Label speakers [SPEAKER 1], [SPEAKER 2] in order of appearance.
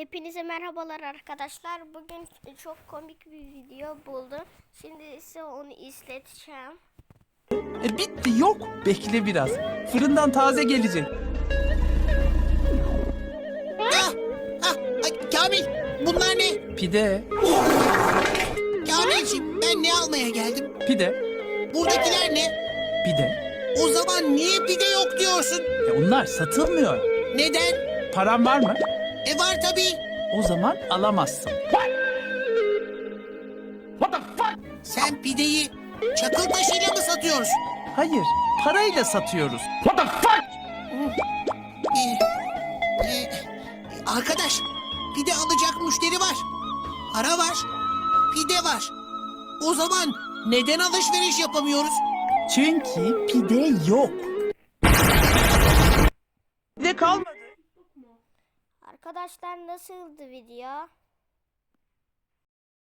[SPEAKER 1] Hepinize merhabalar arkadaşlar. Bugün çok komik bir video buldum. Şimdi size onu izleteceğim.
[SPEAKER 2] Bitti yok. Bekle biraz. Fırından taze gelecek.
[SPEAKER 3] Kamil, bunlar ne?
[SPEAKER 2] Pide.
[SPEAKER 3] Kamilciğim, ben ne almaya geldim?
[SPEAKER 2] Pide.
[SPEAKER 3] Buradakiler ne?
[SPEAKER 2] Pide.
[SPEAKER 3] O zaman niye pide yok diyorsun?
[SPEAKER 2] Onlar satılmıyor.
[SPEAKER 3] Neden?
[SPEAKER 2] Paran var mı?
[SPEAKER 3] Var tabii.
[SPEAKER 2] O zaman alamazsın.
[SPEAKER 3] Sen pideyi çakıl taşıyla mı satıyorsun?
[SPEAKER 2] Hayır. Parayla satıyoruz.
[SPEAKER 3] Arkadaş, pide alacak müşteri var. Para var. Pide var. O zaman neden alışveriş yapamıyoruz?
[SPEAKER 2] Çünkü pide yok. Pide kalmadı.
[SPEAKER 1] Arkadaşlar nasıldı video?